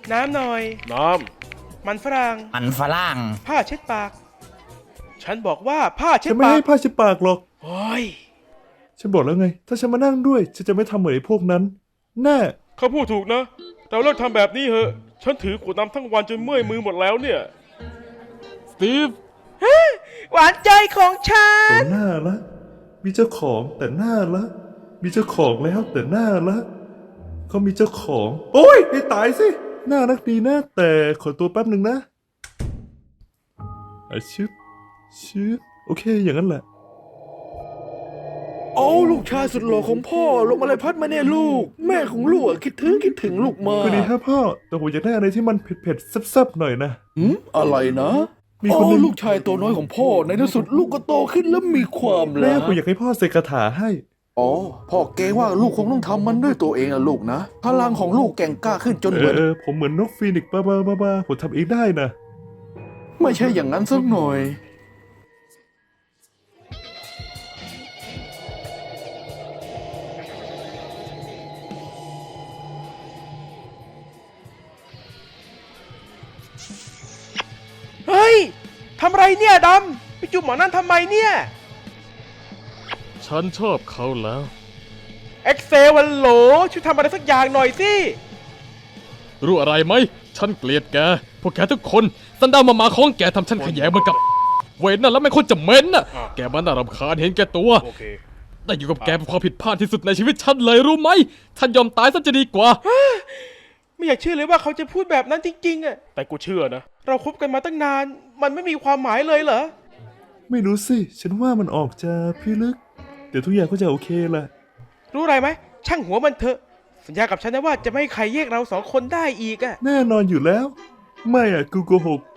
น้ำหน่อยน้มันฝรั่งมันฝรั่งผ้าเช็ดปากฉันบอกว่าผ้าเช็ดฉันไม่ปากให้ผ้าเช็ดปากหรอกโอ้ยฉันบอกแล้วไง ถ้าฉันมานั่งด้วยฉันจะไม่ทำเหมือนไอ้พวกนั้นแน่ำเขาพูดถูกนะเราเลิกทำแบบนี้เหอะฉันถือขวดน้ำทั้งวันจนเมื่อยมือหมดแล้วเนี่ยสตีฟหวานใจของฉันแต่น่าละมีเจ้าของแต่น่าละมีเจ้าของแล้วแต่น่าละเขามีเจ้าของ โอ้ยให้ตายสิน่ารักดีนะแต่ขอตัวแป๊บหนึ่งนะชึบโอเคอย่างนั้นแหละโอ้ลูกชายสุดหล่อของพ่อลงมาเลยพัดมาเนี่ยลูก แม่ของลูกคิดถึงลูกมากก็ดีฮะพ่อแต่ผมอยากได้อะไรที่มันเผ็ดๆแซ่บๆหน่อยนะอะไรนะมีคนหนึ่งลูกชายตัวน้อยของพ่อในที่สุดลูกก็โตขึ้นแล้วมีความแม่รักผมอยากให้พ่อเสกคาถาให้อ๋อพ่อเกรงว่าลูกคงต้องทำมันด้วยตัวเองอะลูกนะพลังของลูกแกร่งกล้าขึ้นจนเหมือนผมเหมือนนกฟีนิกซ์บ้าผมทำเองได้นะไม่ใช่อย่างนั้นสักหน่อยเฮ้ยทำไรเนี่ยดำไปจุ่มหมอนั่นทำไมเนี่ยฉันชอบเขาแล้วเอ็กเซลวันโหลช่วยทำอะไรสักอย่างหน่อยสิรู้อะไรไหมฉันเกลียดแกพวกแกทุกคนสันดานมาของแกทำฉันขยงเหมือนกับเวนน่ะแล้วไม่คนจะเหม็นน่ะแกมันน่ารำคาญเห็นแกตัวได้อยู่กับแกเป็นความผิดพลาดที่สุดในชีวิตฉันเลยรู้ไหมฉันยอมตายซะจะดีกว่าไม่อยากเชื่อเลยว่าเขาจะพูดแบบนั้นจริงๆอะแต่กูเชื่อนะเราคบกันมาตั้งนาน มันไม่มีความหมายเลยเหรอไม่รู้สิ ฉันว่ามันออกจะพิลึกเดี๋ยวทุกอย่างก็จะโอเคแหละรู้อะไรไหมช่างหัวมันเถอะสัญญากับฉันนะว่าจะไม่ให้ใครแยกเราสองคนได้อีกอะแน่นอนอยู่แล้ว ไม่กูโกหก